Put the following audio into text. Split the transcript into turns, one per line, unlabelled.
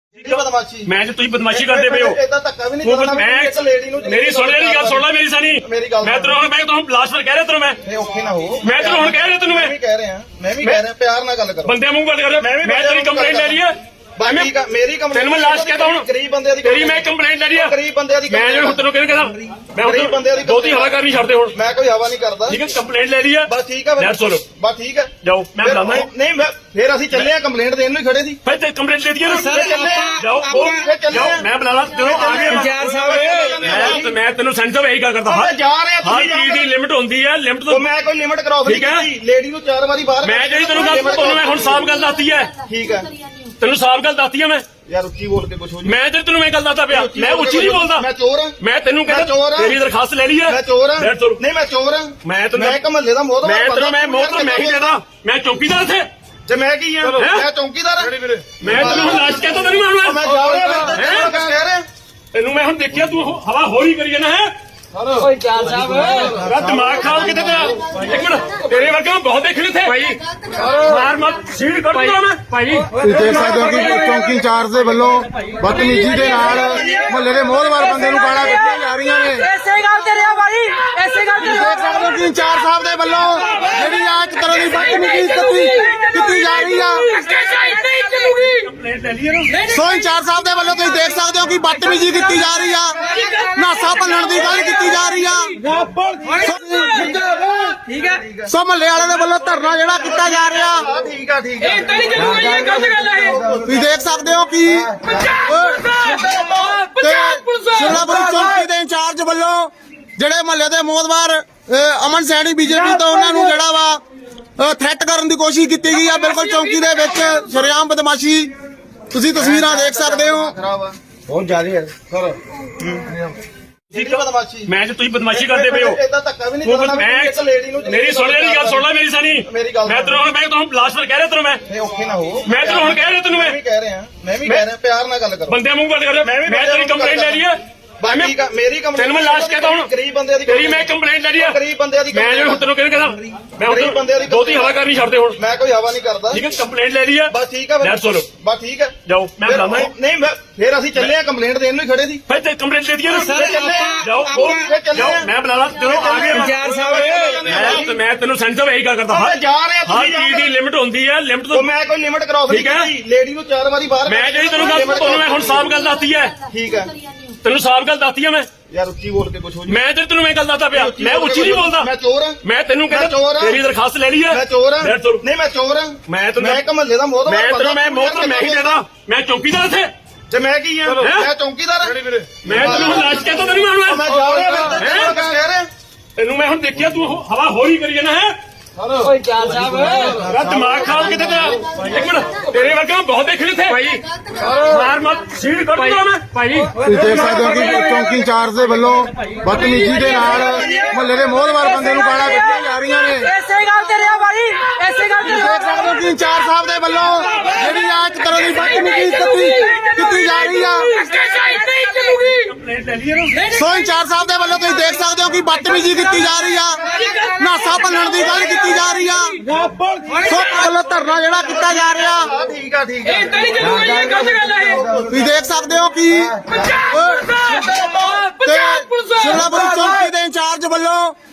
ਬਦਮਾਸ਼ੀ
ਮੈਂ ਜੇ ਤੁਸੀਂ ਬਦਮਾਸ਼ੀ ਕਰਦੇ ਪਏ ਹੋ
ਇਦਾਂ ਧੱਕਾ ਵੀ ਨਹੀਂ ਕਰਨਾ ਇੱਕ ਲੇਡੀ ਨੂੰ
ਮੇਰੀ ਸੁਣ ਲੈ ਗੱਲ ਸੁਣ ਲੈ ਮੇਰੀ ਸਾਨੀ ਮੈਂ ਤੈਨੂੰ ਲਾਸਟ ਵਾਰ ਕਹਿ ਰਿਹਾ ਤੈਨੂੰ
ਇਹ ਔਖੇ ਨਾ ਹੋ
ਮੈਂ ਤੈਨੂੰ ਹੁਣ ਕਹਿ ਰਿਹਾ ਤੈਨੂੰ
ਮੈਂ ਵੀ ਕਹਿ ਰਿਹਾ ਪਿਆਰ ਨਾਲ ਗੱਲ ਕਰੋ
ਬੰਦੇ ਮੂੰਹ ਗੱਲ ਕਰ ਮੈਂ ਤੇਰੀ ਕੰਪਲੇਂਟ ਲੈ ਲਈ ਹੈ
ਮੇਰੀ ਕੰਪਲੇਂਟ
ਤੈਨੂੰ ਮੈਂ ਲਾਸਟ ਕਹਿਤਾ ਹੁਣ
ਗਰੀਬ ਬੰਦੇ ਦੀ
ਤੇਰੀ ਮੈਂ ਕੰਪਲੇਂਟ ਲੈ ਲਈ ਹੈ
ਗਰੀਬ ਬੰਦੇ ਦੀ
ਮੈਂ ਜਿਹੜਾ ਹੁਣ ਤੈਨੂੰ ਕਹਿੰਦਾ ਮੈਂ
ਗਰੀਬ ਬੰਦੇ ਦੀ
ਬਹੁਤੀ ਹਵਾ ਕਰਨੀ ਛੱਡਦੇ ਹੁਣ
ਮੈਂ ਕੋਈ ਹਵਾ ਨਹੀਂ ਕਰਦਾ
ਠੀਕ ਹੈ ਕੰਪਲੇਂਟ ਲੈ ਲਈ ਹੈ
ਬਸ ਠੀਕ ਹੈ
ਲੈ ਸੁਣੋ
ਬਸ ਠੀਕ ਹੈ
ਜਾਓ ਮੈਂ ਬੁਲਾਉਂਦਾ
ਨਹੀਂ ਫਿਰ ਅਸੀਂ ਚੱਲੇ ਆ ਕੰਪਲੇਂਟ ਦੇਣ ਨੂੰ ਹੀ ਖੜੇ ਸੀ
ਫਿਰ ਤੇ ਕੰਪਲੇਂਟ ਦੇ ਦਈਏ ਨਾ ਜਾਓ ਜਾਓ ਮੈਂ ਬੁਲਾ ਲਾ ਜਦੋਂ ਆ ਗਏ
ਇੰਚਾਰਜ ਸਾਹਿਬ
ਮੈਂ ਤੈਨੂੰ ਸੈਂਟਰ ਇਹੀ ਗੱਲ ਕਰਦਾ ਹਾਂ
ਜਾ ਰਹੇ
ਹਰ ਚੀਜ਼ ਦੀ ਲਿਮਿਟ ਹੁੰਦੀ ਹੈ ਲਿਮਿਟ ਤੋਂ
ਮੈਂ ਕੋਈ ਲਿਮਿਟ ਕਰਾਉ
ਠੀਕ ਹੈ
ਲੇਡੀ ਨੂੰ 4 ਵਾਰੀ ਬਾਹਰ
ਮੈਂ ਜਿਹੜੀ ਤੈਨੂੰ ਗੱਲ ਤੁਹਾਨੂੰ ਮੈਂ ਹੁਣ ਸਾਫ਼ ਗੱਲ ਦੱਸਤੀ ਹੈ
ਠੀਕ ਹੈ
ਤੈਨੂੰ ਸਾਫ਼ ਗੱਲ ਦੱਸਤੀ ਹੈ ਮੈਂ
ਯਾਰ ਉੱਚੀ ਬੋਲ ਕੇ ਕੁਛ ਹੋ ਜੀ
ਮੈਂ ਤੇ ਤੈਨੂੰ ਮੈਂ ਗੱਲ ਦੱਸਦਾ ਪਿਆ ਮੈਂ ਉੱਚੀ ਨਹੀਂ ਬੋਲਦਾ
ਮੈਂ ਚੋਰ ਹਾਂ
ਮੈਂ ਤੈਨੂੰ ਕਹਿੰਦਾ ਤੇਰੀ ਦਰਖਾਸਤ ਲੈ ਲਈ ਹੈ
ਮੈਂ ਚੋਰ ਹਾਂ ਨਹੀਂ ਮੈਂ ਚੋਰ ਹਾਂ ਮੈਂ ਇੱਕ ਮਹੱਲੇ ਦਾ ਮੋਹਤਬਰ
ਮੈਂ ਤੈਨੂੰ ਮੈਂ ਮੋਹਤਬਰ ਮੈਂ ਹੀ ਦੇਦਾ ਮੈਂ ਚੌਕੀਦਾਰ ਇੱਥੇ
ਤੇ ਮੈਂ ਕੀ ਆ ਮੈਂ ਚੌਕੀਦਾਰ ਹਾਂ
ਮੈਂ ਤੈਨੂੰ ਹੁਣ ਲਾਸ਼ ਕਹਿੰਦਾ ਤੈਨੂੰ
ਮੈਂ ਜਾ ਰਿਹਾ ਕਹਿ ਰਿਹਾ
ਤੈਨੂੰ ਮੈਂ ਹੁਣ ਦੇਖਿਆ ਤੂੰ ਹਵਾ ਹੋਰੀ ਕਰੀ ਜਾਣਾ ਹੈ
ਓਏ ਚਾਲ ਸਾਹਿਬ
ਤੇਰਾ ਦਿਮਾਗ ਖਾਓ ਕਿਤੇ ਤੇਰਾ ਇੱਕ ਮਿੰਟ ਤੇਰੇ ਵਰਗੇ ਮੈਂ ਬਹੁਤ ਦੇਖੇ ਇੱਥੇ ਭਾਈ ਮਾਰ ਮਤ ਸੀੜ ਕੱਢ ਦੂੰਗਾ ਮੈਂ ਭਾਈ
ਤੁਸੀਂ ਦੇਖ ਸਕਦੇ ਹੋ ਕਿ ਚੌਂਕੀ ਇੰਚਾਰਜ ਦੇ ਵੱਲੋਂ ਬਦਤਮੀਜ਼ੀ ਦੇ ਨਾਲ ਮੁਹੱਲੇ ਦੇ ਮੋਹਲਵਾਰ ਬੰਦੇ ਨੂੰ ਗਾਲਾਂ ਕੱਢੀਆਂ ਜਾ ਰਹੀਆਂ ਨੇ।
ਐਸੇ ਗੱਲ ਤੇ ਰਿਹਾ ਭਾਈ ਐਸੇ ਗੱਲ ਤੇ
ਦੇਖ ਸਕਦੇ ਹੋ ਕਿ ਇੰਚਾਰਜ ਸਾਹਿਬ ਦੇ ਵੱਲੋਂ ਜਿਹੜੀ ਆ ਇੱਕ ਤਰ੍ਹਾਂ ਦੀ ਬਦਤਮੀਜ਼ੀ ਕੀਤੀ ਜਾ ਰਹੀ ਆ।
ਕੰਪਲੇਂਟ ਲੈ ਲਈਏ ਨਾ
ਸੋ ਇੰਚਾਰਜ ਸਾਹਿਬ ਦੇ ਵੱਲੋਂ ਤੁਸੀਂ ਦੇਖ ਸਕਦੇ ਹੋ ਕਿ ਬਦਤਮੀਜ਼ੀ ਕੀਤੀ ਜਾ ਰਹੀ ਆ, ਨਾਸਾ ਭੰਨਣ ਦੀ ਗੱਲ ਕੀਤੀ ਜਾ ਰਹੀ ਆ।
ਠੀਕ ਹੈ
ਸੋ ਮੁਹੱਲੇ ਵਾਲੇ ਦੇ ਵੱਲੋਂ ਧਰਨਾ ਜਿਹੜਾ ਕੀਤਾ ਜਾ ਰਿਹਾ
ਠੀਕ ਆ
ਇਹ ਤਾਂ ਨਹੀਂ ਚੱਲੂਗਾ ਇਹ ਗਲਤ ਗੱਲ ਹੈ
ਤੁਸੀਂ ਦੇਖ ਸਕਦੇ ਹੋ ਕਿ ਸ਼ਿਮਲਾਪੁਰੀ ਚੌਂਕੀ ਦੇ ਇੰਚਾਰਜ ਵੱਲੋਂ ਜਿਹੜੇ ਮੁਹੱਲੇ ਦੇ ਮੋਹਤਬਾਰ ਅਮਨ ਸੈਣੀ ਬੀਜੇਪੀ ਤੋਂ ਉਹਨਾਂ ਨੂੰ ਜਿਹੜਾ ਵਾ ਥ੍ਰੈਟ ਕਰਨ ਦੀ ਕੋਸ਼ਿਸ਼ ਕੀਤੀ ਗਈ ਆ। ਬਿਲਕੁਲ ਚੌਂਕੀ ਦੇ ਵਿੱਚ ਸ਼ਰੇਆਮ ਬਦਮਾਸ਼ੀ ਤੁਸੀਂ ਤਸਵੀਰਾਂ ਦੇਖ ਸਕਦੇ ਹੋ।
ਬਹੁਤ ਜ਼ਿਆਦਾ ਹੈ ਸਰ ਬਦਮਾਸ਼ੀ
ਮੈਂ ਜੇ ਤੁਸੀਂ ਬਦਮਾਸ਼ੀ ਕਰਦੇ ਪਏ ਹੋ
ਇਦਾਂ ਧੱਕਾ ਵੀ ਨਹੀਂ ਕਰਨਾ ਇੱਕ ਲੇਡੀ ਨੂੰ
ਮੇਰੀ ਸੁਣ ਲੈ ਗੱਲ ਸੁਣ ਲੈ ਮੇਰੀ ਸਾਨੀ ਮੈਂ ਤੈਨੂੰ ਲਾਸਟ ਵਾਰ ਕਹਿ ਰਿਹਾ ਤੈਨੂੰ
ਇਹ ਔਖੇ ਨਾ ਹੋ
ਮੈਂ ਤੈਨੂੰ ਹੁਣ ਕਹਿ ਰਿਹਾ ਤੈਨੂੰ
ਮੈਂ ਵੀ ਕਹਿ ਰਿਹਾ ਪਿਆਰ ਨਾਲ ਗੱਲ ਕਰੋ
ਬੰਦੇ ਮੂੰਹ ਗੱਲ ਕਰ ਮੈਂ ਤੇਰੀ ਕੰਪਲੇਂਟ ਲੈ ਲਈ ਹੈ
ਠੀਕ ਆ ਮੇਰੀ ਕੰਪਲੇਂਟ
ਤੈਨੂੰ ਮੈਂ ਲਾਸਟ ਕਹਿਤਾ ਹੁਣ
ਗਰੀਬ ਬੰਦੇ ਦੀ
ਤੇਰੀ ਮੈਂ ਕੰਪਲੇਂਟ ਲੈ ਲਈ ਹੈ
ਗਰੀਬ ਬੰਦੇ ਦੀ
ਮੈਂ ਜਿਹੜਾ ਹੁਣ ਤੈਨੂੰ ਕਹਿੰਦਾ ਮੈਂ ਬਹੁਤੀ ਹਵਾ ਕਰਨੀ ਛੱਡਦੇ ਹੁਣ
ਮੈਂ ਕੋਈ ਹਵਾ ਨਹੀਂ ਕਰਦਾ
ਠੀਕ ਹੈ ਕੰਪਲੇਂਟ ਲੈ ਲਈ ਹੈ
ਬਸ ਠੀਕ ਹੈ
ਲੈ ਸੁਣੋ
ਬਸ ਠੀਕ ਹੈ
ਜਾਓ ਮੈਂ ਬੁਲਾਉਂਦਾ
ਨਹੀਂ ਫਿਰ ਅਸੀਂ ਚੱਲੇ ਆ ਕੰਪਲੇਂਟ ਦੇਣ ਨੂੰ ਹੀ ਖੜੇ ਸੀ
ਫਿਰ ਤੇ ਕੰਪਲੇਂਟ ਦੇ ਦਈਏ ਨਾ ਜਾਓ ਜਾਓ ਮੈਂ ਬੁਲਾ ਲਾ ਜਦੋਂ ਆ ਗਏ
ਇੰਚਾਰਜ ਸਾਹਿਬ
ਮੈਂ ਤੈਨੂੰ ਸੈਂਟਰ ਇਹੀ ਗੱਲ ਕਰਦਾ ਹਾਂ
ਜਾ ਰਹੇ
ਹਰ ਚੀਜ਼ ਦੀ ਲਿਮਿਟ ਹੁੰਦੀ ਹੈ ਲਿਮਿਟ ਤੋਂ
ਮੈਂ ਕੋਈ ਲਿਮਿਟ ਕਰਾਉ
ਠੀਕ ਹੈ
ਲੇਡੀ ਨੂੰ 4 ਵਾਰੀ ਬਾਹਰ
ਮੈਂ ਜਿਹੜੀ ਤੈਨੂੰ ਗੱਲ ਤੁਹਾਨੂੰ ਮੈਂ ਹੁਣ ਸਾਫ਼ ਗੱਲ ਦੱਸਤੀ ਹੈ
ਠੀਕ ਹੈ
ਤੈਨੂੰ ਸਾਫ਼ ਗੱਲ ਦੱਸਤੀ ਹੈ ਮੈਂ
ਯਾਰ ਉੱਚੀ ਬੋਲ ਕੇ ਕੁਛ ਹੋ ਜੀ
ਮੈਂ ਤੇ ਤੈਨੂੰ ਮੈਂ ਗੱਲ ਦੱਸਦਾ ਪਿਆ ਮੈਂ ਉੱਚੀ ਨਹੀਂ ਬੋਲਦਾ
ਮੈਂ ਚੋਰ ਹਾਂ
ਮੈਂ ਤੈਨੂੰ ਕਹਿੰਦਾ ਤੇਰੀ ਦਰਖਾਸਤ ਲੈ ਲਈ ਹੈ
ਮੈਂ ਚੋਰ ਹਾਂ
ਲੈ ਸੁਣੋ
ਨਹੀਂ ਮੈਂ ਚੋਰ ਹਾਂ
ਮੈਂ
ਇੱਕ ਮਹੱਲੇ ਦਾ ਮੋਹਤਬਰ
ਮੈਂ ਤੈਨੂੰ ਮੈਂ ਮੋਹਤਬਰ ਮੈਂ ਹੀ ਦੇਦਾ ਮੈਂ ਚੌਕੀਦਾਰ ਇੱਥੇ
ਤੇ ਮੈਂ ਕੀ ਆ ਮੈਂ ਚੌਕੀਦਾਰ ਹਾਂ
ਮੈਂ ਤੈਨੂੰ ਹੁਣ ਲਾਸ਼ ਕਹਿੰਦਾ ਤੈਨੂੰ
ਮੈਂ ਜਾ ਰਿਹਾ ਕਹਿ ਰਿਹਾ
ਤੈਨੂੰ ਮੈਂ ਹੁਣ ਦੇਖਿਆ ਤੂੰ ਹਵਾ ਹੋਰੀ ਕਰੀ ਜਾਣਾ ਹੈ
ਓਏ ਚਾਲ ਸਾਹਿਬ
ਤੇਰਾ ਦਿਮਾਗ ਖਾਓ ਕਿਤੇ ਤੇਰਾ ਇੱਕ ਮਿੰਟ ਤੇਰੇ ਵਰਗੇ ਮੈਂ ਬਹੁਤ ਦੇਖੇ ਇੱਥੇ ਭਾਈ ਮਾਰ ਮਤ ਸੀੜ ਕੱਢ ਦੂੰਗਾ ਮੈਂ ਭਾਈ
ਤੁਸੀਂ ਦੇਖ ਸਕਦੇ ਹੋ ਕਿ ਚੌਂਕੀ ਇੰਚਾਰਜ ਦੇ ਵੱਲੋਂ ਬਦਤਮੀਜ਼ੀ ਦੇ ਨਾਲ ਮੁਹੱਲੇ ਦੇ ਮੋਹਲਵਾਰ ਬੰਦੇ ਨੂੰ ਗਾਲਾਂ ਕੱਢੀਆਂ ਜਾ ਰਹੀਆਂ ਨੇ।
ਐਸੇ ਗੱਲ ਤੇ ਰਿਹਾ ਭਾਈ ਐਸੇ ਗੱਲ ਤੇ
ਦੇਖ ਸਕਦੇ ਹੋ ਕਿ ਇੰਚਾਰਜ ਸਾਹਿਬ ਦੇ ਵੱਲੋਂ ਜਿਹੜੀ ਆ ਇੱਕ ਤਰ੍ਹਾਂ ਦੀ ਬਦਤਮੀਜ਼ੀ ਕੀਤੀ ਜਾ ਰਹੀ ਆ।
ਕੰਪਲੇਂਟ ਲੈ ਲਈਏ ਨਾ
ਸੋ ਇੰਚਾਰਜ ਸਾਹਿਬ ਦੇ ਵੱਲੋਂ ਤੁਸੀਂ ਦੇਖ ਸਕਦੇ ਹੋ ਕਿ ਬਦਤਮੀਜ਼ੀ ਕੀਤੀ ਜਾ ਰਹੀ ਆ, ਨਾਸਾ ਭੰਨਣ ਦੀ ਗੱਲ ਕੀਤੀ ਜਾ ਰਹੀ ਆ। ਸੋ ਵੱਲੋਂ ਧਰਨਾ ਜਿਹੜਾ ਕੀਤਾ ਜਾ ਰਿਹਾ
ਠੀਕ ਆ
ਇਹ ਤਾਂ ਨਹੀਂ ਚੱਲੂਗਾ ਇਹ ਗਲਤ ਗੱਲ ਹੈ
ਤੁਸੀਂ ਦੇਖ ਸਕਦੇ ਹੋ ਕਿ ਸ਼ਿਮਲਾਪੁਰੀ ਚੌਂਕੀ ਦੇ ਇੰਚਾਰਜ ਵੱਲੋਂ